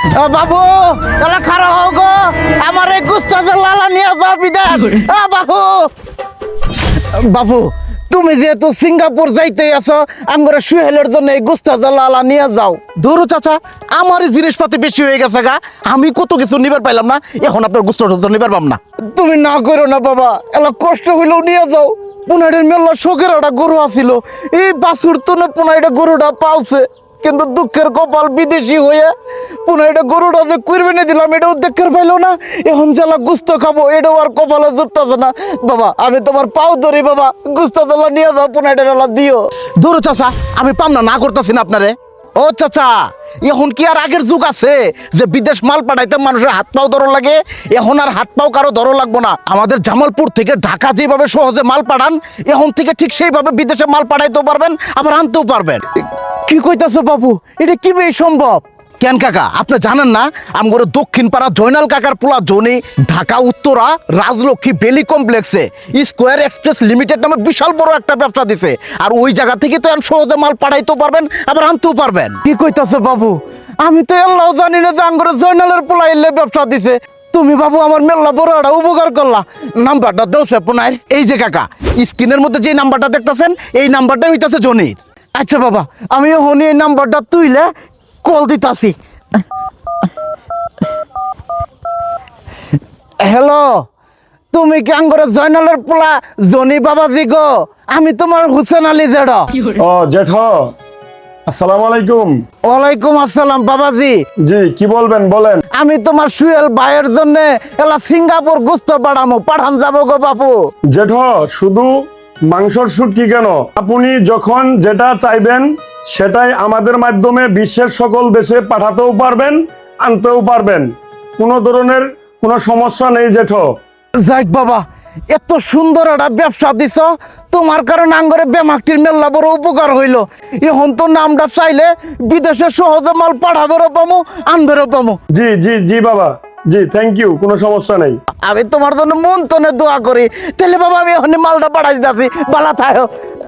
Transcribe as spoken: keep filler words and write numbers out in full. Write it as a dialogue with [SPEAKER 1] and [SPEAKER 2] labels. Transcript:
[SPEAKER 1] ও বাবু এলা খারাপ হোক গো, আমার এই গুস্তাজের লালা নিয়ে যাও বিদেশ। ও বাবু বাবু তুমি যেহেতু সিঙ্গাপুর যাইতে আছো, আমার সুহেলের জন্য এই গুস্তাজের লালা নিয়ে যাও। ধরো চাচা, আমারই জিনিসপাতি বেশি হয়ে গেছে গা, আমি কত কিছু নিবার পাইলাম না, এখন আপনার গুস্তাটা নিবার পাম না। তুমি না করো না বাবা, এলা কষ্ট হইলেও নিয়ে যাও। পুনাইটের মেলা শোকের একটা গরু আছিল, এই বাছুর তো না পুনাইটা গরুটা পালছে, কিন্তু দুঃখের কপাল বিদেশি হয়ে পুনাইটা গরুটা যে কুরবানি দিলাম এটাও দেখের পাইলো না, এখন জেলা গুস্ত খাবো এটাও আর কপালে জুটতেছে না। বাবা আমি তোমার পাও ধরি বাবা, গুস্ত জেলা নিয়ে যাও, পুনাইটা জেলা দিও। দূর চাচা, আমি পাম না, না করতেছি না আপনারে। ও চাচা, এখন কি আর আগের যুগ আছে যে বিদেশ মাল পাঠাইতে মানুষের হাত পাও ধরো লাগে? এখন আর হাত পাও কারো ধরো লাগবো না। আমাদের জামালপুর থেকে ঢাকা যেভাবে সহজে মাল পাঠান, এখন থেকে ঠিক সেইভাবে বিদেশে মাল পাঠাইতেও পারবেন, আবার আনতেও পারবেন। কি কইতাছো বাবু, এটা কিভাবে সম্ভব? কেন কাকা আপনি জানেন না, আমগরে দক্ষিণ পাড়া জয়নাল কাকার পোলা জনি ঢাকা উত্তরা রাজলক্ষ্মী বেলি কমপ্লেক্সে স্কোয়ার এক্সপ্রেস লিমিটেড নামে বিশাল বড় একটা ব্যবসা দিছে, আর ওই জায়গা থেকে তো এখন সহজে মাল পাঠাইতেও পারবেন, আবার আনতেও পারবেন। কি কইতাছে বাবু, আমি তো আল্লাহ জানি না যে আমগরে জয়নালের পোলা এলে ব্যবসা দিছে। তুমি বাবু আমার মেলা বড় একটা উপকার করলা, নাম্বারটা দাও সে পুনাই। এই যে কাকা, স্ক্রিনের মধ্যে যে নাম্বারটা দেখতেছেন এই নাম্বারটা হইতাছে জনির। আচ্ছা বাবা, আমি হনি এই নাম্বারটা তুইলে কল দিতাছি। হ্যালো, তুমি কি আঙ্গরে জয়নালের পোলা জনি বাবাজি গো? আমি তোমার হুসেন আলী জেড।
[SPEAKER 2] ও জেঠ, আসসালামু আলাইকুম।
[SPEAKER 1] ওয়ালাইকুম আসসালাম বাবাজি।
[SPEAKER 2] জি কি বলবেন বলেন।
[SPEAKER 1] আমি তোমার সুয়েল ভাইয়ের জন্য এলা সিঙ্গাপুর গুস্ত পাঠামো, পাঠান যাবো গো বাবু।
[SPEAKER 2] জেঠ, শুধু মাংসর শুটকি কেন, আপনি যখন যেটা চাইবেন সেটাই আমাদের মাধ্যমে বিশ্বের সকল দেশে পাঠাতেও পারবেন, আনতেও পারবেন, কোনো ধরনের কোনো সমস্যা নেই জেঠ।
[SPEAKER 1] যাক বাবা, এত সুন্দর একটা ব্যবসা দিছ, তোমার কারণে আঙ্গরে বেমাকটির মেলা বড় উপকার হইল। এখন তো নামটা চাইলে বিদেশে সহজে মাল পাঠাবেরও পামো, আনবেরও পামো।
[SPEAKER 2] জি জি জি বাবা, জি থ্যাংক ইউ, কোনো সমস্যা নেই।
[SPEAKER 1] আমি তোমার জন্য মন তনে দোয়া করি। তাহলে বাবা আমি এখন মালটা পাঠাই দিতেছি, বালা থাকো।